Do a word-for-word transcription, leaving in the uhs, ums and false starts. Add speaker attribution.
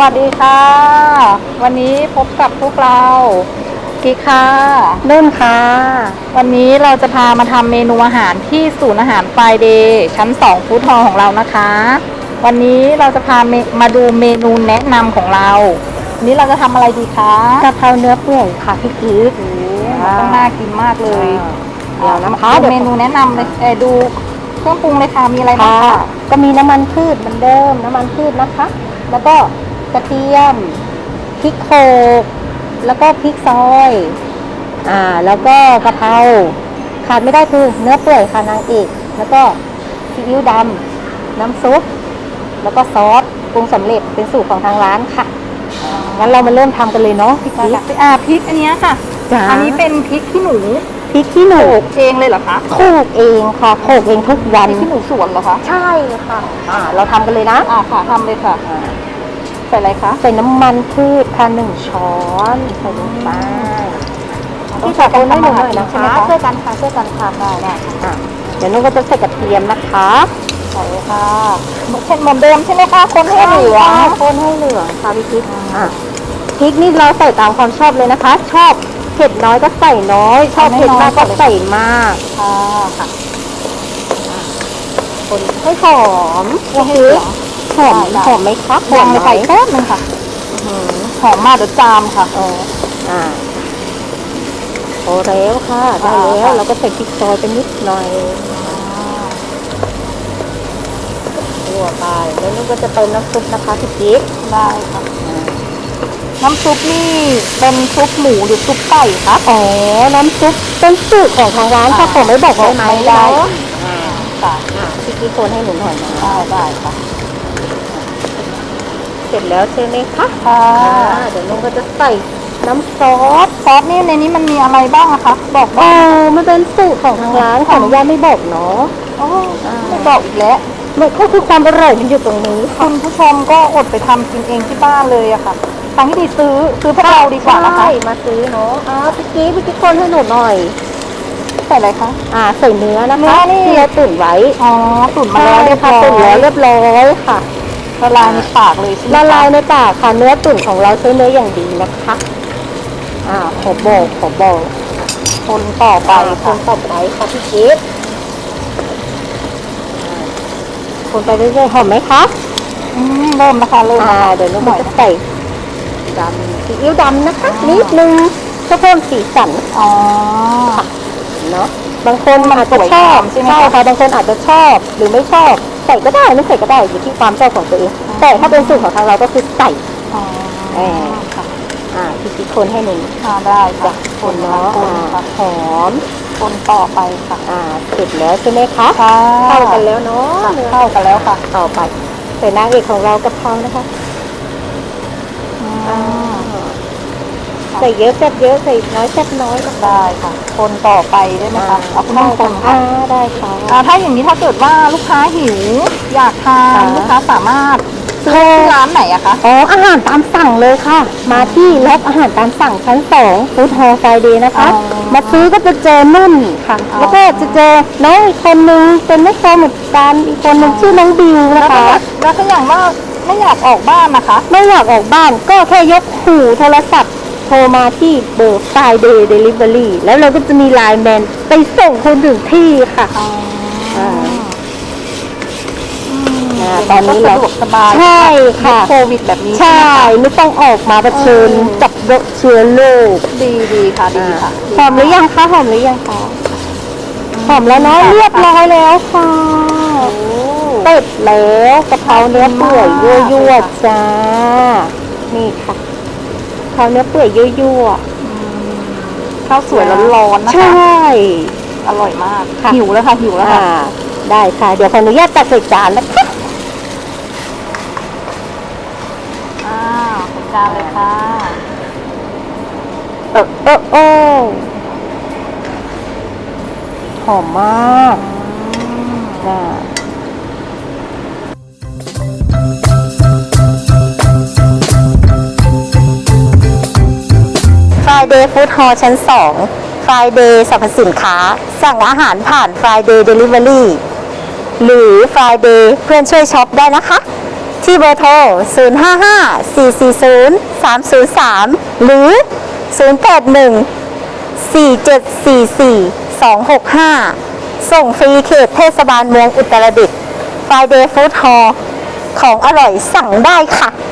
Speaker 1: วัสดีค่ะวันนี้พบกับพวกเรากิ๊กค่ะ
Speaker 2: นุ่นค่ะ
Speaker 1: วันนี้เราจะพามาทำเมนูอาหารที่ศูนย์อาหารไฟเดย์ชั้นสองฟู้ดฮอลล์ของเรานะคะวันนี้เราจะพามาดูเมนูแนะนำของเราวันนี้เราจะทำอะไรดีคะ
Speaker 2: กะเพราเนื้อเปื่อยค่ะพี่กิ๊ก
Speaker 1: ต้องน่ากินมากเลย
Speaker 2: เดี๋ยวนะคะ
Speaker 1: ดูเมนูแนะนำเลยเออดูเครื่องปรุงเลยค่ะมีอะไรบ้างคะ
Speaker 2: ก็มีน้ำมันพืชเหมือนเดิมน้ำมันพืชนะคะแล้วก็กระเทียมพริกโขลกแล้วก็พริกซอยอ่าแล้วก็กะเพราขาดไม่ได้คือเนื้อเปื่อยค่ะนางเอกแล้วก็ซีอิ๊วดำน้ำซุปแล้วก็ซอสปรุงสำเร็จเป็นสูตรของทางร้านค่ะงั้นเรามาเริ่มทำกันเลยเนาะพี่กิ๊ก
Speaker 1: อ่าพริกอันนี้ค่ะอันนี้เป็นพริกขี้หนู
Speaker 2: พริกขี้หนู
Speaker 1: โขลกเองเลยเหรอคะ
Speaker 2: โขลกเองค่ะโขลกเองทุกวัน
Speaker 1: พริกขี้หนูสวนเหรอคะ
Speaker 2: ใช่ค่ะอ่าเราทำกันเลยนะ
Speaker 1: อ่าค่ะทำเลยค่ะใส่อะไรคะ
Speaker 2: ใส่น้ำมันพืชค่ะหนึ่งช้อนใส่ลงไปที่ใส่คนให้หนูหน่อยนะคะช่วยกันค่ะช่วยกันค่ะได้ได้ค่ะเดี๋ยวนุ่นก็จะใส่กระเทียมนะคะ
Speaker 1: ใส่ค่ะเช่นเหมือนเดิมใช่ไหมคะคนให้เหลือง
Speaker 2: คนให้เหลืองค่ะพี่พริกอ่ะพริกนี่เราใส่ตามความชอบเลยนะคะชอบเผ็ดน้อยก็ใส่น้อยชอบเผ็ดมากก็ใส่มาก
Speaker 1: ค่ะค่ะ
Speaker 2: คนให้หอมคือหอมหอมไหมคะ
Speaker 1: หอมเลยใส่แป๊บนึงค่ะหอมมากเดี๋ยวจามค่ะ
Speaker 2: อ๋ออ่าพอแล้วค่ะได้แล้วเราก็ใส่พริกซอยไปนิดหน่อยตัวไปแล้วนุ่นก็จะเติมน้ำซุปนะคะพี่กิ๊ก
Speaker 1: ได้ค่ะน้ำซุปนี่เป็นซุปหมูหรือซุปไก่คะ
Speaker 2: อ๋อน้ำซุปเป็นสูตรของทางร้านค่ะผมไม่บอกได้ไหม
Speaker 1: ได้
Speaker 2: ค่ะพี่กิ๊กคนให้หนูหน่อยนะ
Speaker 1: ได้ได้ค่ะ
Speaker 2: เสร็จแล้วใช่ไหมคะ
Speaker 1: ค่ะ
Speaker 2: เดี๋ยวนุ่นก็จะใส่น้ำซอส
Speaker 1: ซอสนี่ในนี้มันมีอะไรบ้างอะคะบอก
Speaker 2: อ๋อมันเป็นสูตรของทางร้านขออนุญาตไม่บอกเนาะ
Speaker 1: อ๋อไม่บอกอีกแล้ว
Speaker 2: มันก็คือความอร่อยมันอยู่ตรงนี้
Speaker 1: คุณผู้ชมก็อดไปทำกินเองที่บ้านเลยอะค่ะทางที่ดีซื้อซื้อพวกเราดีกว่านะคะ
Speaker 2: มาซื้อเนาะอ๋อพี่กิ๊กพี่กิ๊กคนให้หนูหน่อย
Speaker 1: ใส่อะไรคะ
Speaker 2: อ่าใส่เนื้อนะคะที่เราตุ๋นไว้
Speaker 1: อ๋อตุ๋นมาแล้วเรียบร้อย
Speaker 2: ตุ๋นแล้วเรียบร้อยค่ะ
Speaker 1: ละลายในปากเลย
Speaker 2: ละลายในปากค่ะเนื้อตุ๋นของเราใช้เนื้ออย่างดีนะคะอ่าขอบอกขอบอก
Speaker 1: คนต่อไป
Speaker 2: คนต่อไปค่ะพี่กิ๊กคนไปเรื่อยๆหอมไหมคะ
Speaker 1: อืมเริ่มนะคะเริ่ม
Speaker 2: อ่าเดี๋ยวนุ่มจะใส่ดำซีอิ๊วดำนะคะนิดนึงเพื่อเพิ่มสีสัน
Speaker 1: อ๋อ
Speaker 2: เนาะบางคนอาจจะชอบใช่ไหมคะบางคนอาจจะชอบหรือไม่ชอบใส่ก็ได้ไม่ใส่ก็ได้อยู่ที่ความชอบของตัวเองแต่ถ้าเป็นสูตรของทางเราก็คือใส่
Speaker 1: อ๋อ
Speaker 2: เอออ่าพี่กิ๊กคนให้หนึ่ง
Speaker 1: อ่าได้ค่ะ
Speaker 2: คนเนาะหอม
Speaker 1: คนต่อไปค่ะ
Speaker 2: อ่าเสร็จแล้วใช่ไหมคะ
Speaker 1: เข้า
Speaker 2: กันแล้วเนาะ
Speaker 1: เข้ากันแล้วค่ะ
Speaker 2: ต่อไปใส่นางเอกของเรากะเพรานะคะใส่เยอะแซ่บเยอะใส่น้อยแซ่บน้อยก็
Speaker 1: ได้ค่ะคนต่อไปได้ไหมคะเอาคุณคน
Speaker 2: ค่ะได้ค่ะ
Speaker 1: ถ้าอย่างนี้ถ้าเกิดว่าลูกค้าหิวอยากทานลูกค้าสามารถซื้อที่ร้านไหนอะคะ
Speaker 2: อ๋ออาหารตามสั่งเลยค่ะมาที่รับอาหารตามสั่งชั้นสองฟู้ดฮอลล์ไฟเดย์นะคะมาซื้อก็จะเจอนุ่นค่ะแล้วก็จะเจอน้องอีกคนนึงเป็นแม่ค้าเหมือนกันอีกคนนึงชื่อน้องบิวนะคะ
Speaker 1: แล้วก็อย่างว่าไม่อยากออกบ้านนะคะ
Speaker 2: ไม่อยากออกบ้านก็แค่ยกหูโทรศัพท์โทรมาที่เบอร์ Friday Delivery แล้วเราก็จะมีไลน์แมนไปส่งคนถึงที่ค่ะตอนนี้เรา
Speaker 1: สบาย
Speaker 2: ใช่ค่ะ
Speaker 1: โควิดแบบนี้
Speaker 2: ใช่ไม่ต้องออกมาเผชิญกับเชื้อโรค
Speaker 1: ดีดีค่ะดีค่ะ
Speaker 2: หอมหรือยังคะหอมหรือยังคะหอมแล้วเนาะเรียบร้อยแล้วค่ะเสร็จแล้วกะเพราเนื้อเปื่อยยั่วๆจ้านี่ค่ะกะเพราเนื้อเปื่อยยั่ว
Speaker 1: ข้าวสวยร้อนๆนะคะ
Speaker 2: ใช่
Speaker 1: อร่อยมากหิวแล้วค่ะหิวแล้วค่ะ
Speaker 2: ได้ค่ะเดี๋ยวขออนุญาตตักใส่จานนะคะ
Speaker 1: อ้าวใส่จานเลยค่ะ
Speaker 2: เออเออโอ้หอมมากน่ะFriday Food Hall ชั้นสอง Friday สรรพสินค้าสั่งอาหารผ่าน Friday Delivery หรือ Friday เพื่อนช่วยช็อปได้นะคะที่เบอร์โทร ศูนย์ ห้า ห้า สี่ สี่ ศูนย์ สาม ศูนย์ สาม หรือ ศูนย์ แปด หนึ่ง สี่ เจ็ด สี่ สี่ สอง หก ห้า ส่งฟรีเขตเทศบาลเมืองอุตรดิตถ์ Friday Food Hall ของอร่อยสั่งได้ค่ะ